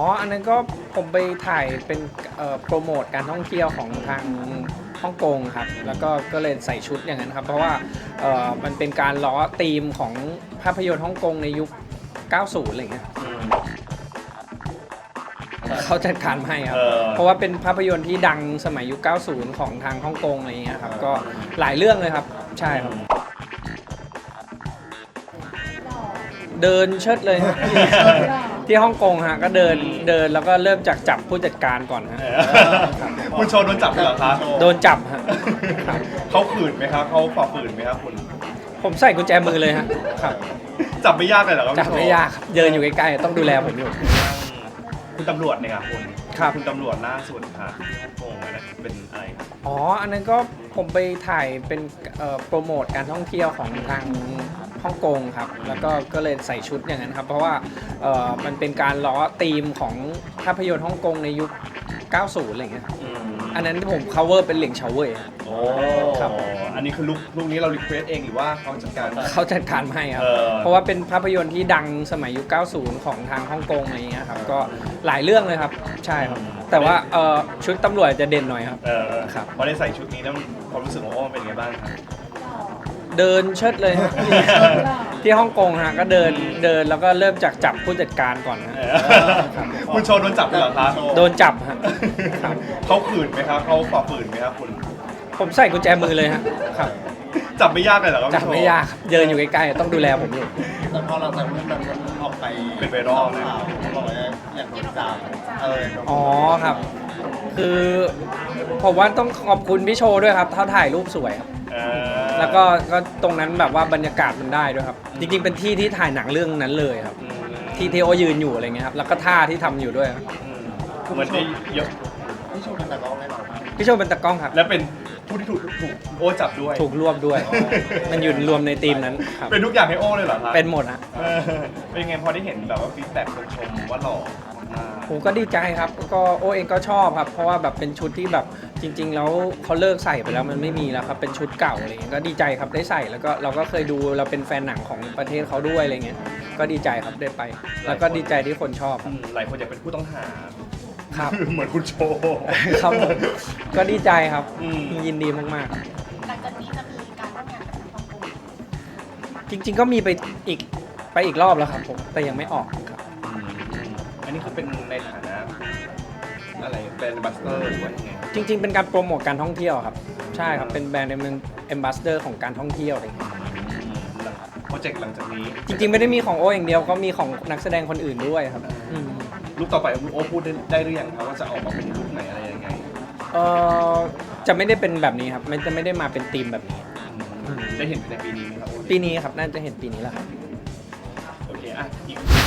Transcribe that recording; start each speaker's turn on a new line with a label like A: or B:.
A: อันนั้นก็ผมไปถ่ายเป็นโปรโมทการท่องเที่ยวของทางฮ่องกงครับแล้วก็เลยใส่ชุดอย่างนั้นครับเพราะว่ามันเป็นการล้อธีมของภาพยนตร์ฮ่องกงในยุค 90 อะไรอย่างเงี้ยเขาจัดการให้ครับเพราะว่าเป็นภาพยนตร์ที่ดังสมัยยุค 90 ของทางฮ่องกงอะไรอย่างเงี้ยครับก็หลายเรื่องเลยครับใช่ครับเดินเชิดเลยฮะที่ฮ่องกงฮะก็เดินแล้วก็เริ่มจากจับผู้จัดการก่อนฮะ
B: คุณโชว์โดนจับเลยเหรอครับ
A: โดนจับฮะครับ
B: เขาขืนไหมครับเขาฝ่าฝืนไหมครับคุณ
A: ผมใส่กุญแจมือเลยฮะครับ
B: จับไม่ยากเลยเหรอครับ
A: จับไม่ยากครับเดินอยู่ใกล้ๆต้องดูแลผมอยู่
B: คุณตำรวจเนี่ยครับคุณ
A: ครับ
B: คุณตำรวจล่าสุดค่ะฮ่องกงนะเป็นอะไรครับ
A: อันนั้นก็ผมไปถ่ายเป็นโปรโมทการท่องเที่ยวของทางฮ่องกงครับแล้วก็เลยใส่ชุดอย่างนั้นครับเพราะว่ามันเป็นการล้อธีมของภาพยนตร์ฮ่องกงในยุค 90 อะไรอย่างเงี้ยอันนั้นที่ผม cover เป็นเหลียงเฉาเว่ย
B: โอ้
A: ครับ
B: อันนี้คือลูกนี้เรารีเควสเองหรือว่าเขาจัดการ
A: เขาจัดการให้ครับเพราะว่าเป็นภาพยนตร์ที่ดังสมัยยุค 90 ของทางฮ่องกงอะไรอย่างเงี้ยครับก็หลายเรื่องเลยครับใช่ครับแต่ว่าชุดตำรวจจะเด่นหน่อยครับ ครับ
B: พอได้ใส่ชุดนี้แล้วความรู้สึกของโอ้เป็นไงบ้างครับ
A: เดินเชิดเลยฮะที่ฮ่องกงฮะก็เดินแล้วก็เริ่มจากจับผู้จัดการก่อนฮะครับ
B: คุณโชว์โดนจับเลยเหรอครับ
A: โดนจับฮะครับ
B: เขาขืนไหมครับเขาฝ่าฝืนไหมครับคุณ
A: ผมใส่กุญแจมือเลยฮะครับ
B: จับไม่ยากเลยเหรอครับ
A: จับไม่ยากครับเดินอยู่ใกล้ๆต้องดูแลผมอยู่
C: แต่พอเราจากเรื่องนั้นมันออกไป
B: เป็นไวรัลนะ
C: เขาบอกว่าอยากโดนจับ
A: อ๋อครับ คือผมว่าต้องขอบคุณพี่โชว์ด้วยครับเขาถ่ายรูปสวยครับ แล้วก็ตรงนั้นแบบว่าบรรยากาศมันได้ด้วยครับ จริงๆเป็นที่ที่ถ่ายหนังเรื่องนั้นเลยครับ ที่โอยืนอยู่อะไรเงี้ยครับแล้วก็ท่าที่ทำอยู่ด้วยครับ
B: เหมือนได้เยอะ
C: พี่โชว์เป็นแต่ร้องให้เราครับ
A: พี่โชว์เป็นตากล้องครับ
B: และเป็นผู้ที่ถูกโอ้จับด้วย
A: ถูกรวบด้วย มันอยู่รวมในทีมนั้นครับ
B: เป็นทุกอย่างให้โอ้เลยเหรอครับ
A: เป็นหมดฮะ
B: เป็นไงพอได้เห็นแบบว่าฟีดแบ็กคนชมว่าหล่อมาก
A: ผมก็ดีใจครับก็โอเองก็ชอบครับ เพราะว่าแบบเป็นชุดที่แบบจริง ๆ แล้วเขาเลิกใส่ไปแล้วมันไม่มีแล้วครับเป็นชุดเก่าอะไรเงี้ยก็ดีใจครับได้ใส่แล้วก็เราก็เคยดูเราเป็นแฟนหนังของประเทศเขาด้วยอะไรเงี้ยก็ดีใจครับได้ไป แล้วก็ดีใจที่คนชอบครับ
B: หลายคนอยากเป็นผู้ต้องหา
A: ครับ
B: เหมือนคุณโชว์
A: ครับผมก็ดีใจครับ
B: อืม
A: ยินดีมากๆครับ
D: หลังจากนี้จะมีการร่วมงานกับทางฮ่องกง
A: จริง ๆ ก็มีไปอีกรอบแล้วครับผมแต่ยังไม่ออกครับ
B: อันนี้คือเป็นในฐานะอะไรเป็นบัสเตอร์หรือว่ายังไง
A: จริง ๆ เป็นการโปรโมทการท่องเที่ยวครับใช่ครับเป็นแบรนด์เป็นแอมบาสเดอร์ของการท่องเที่ยวอะไรอย่างเงี้ย
B: โปรเจกต์หลังจากนี้
A: จริงๆ ไม่ได้มีของโออย่างเดียวก็มีของนักแสดงคนอื่นด้วยครับอืม
B: ลูกต่อไปโอ้พูดได้หรือยังครับว่าจะออกมาเป็นลูกไหนอะไรยังไง
A: เออจะไม่ได้เป็นแบบนี้ครับมันจะไม่ได้มาเป็นธีมแบบนี้
B: ได้เห็นในปีนี้ไหมครับโอ้
A: ปีนี้ครับน่าจะเห็นปีนี้แหละครับ
B: โอเคอ่ะอีก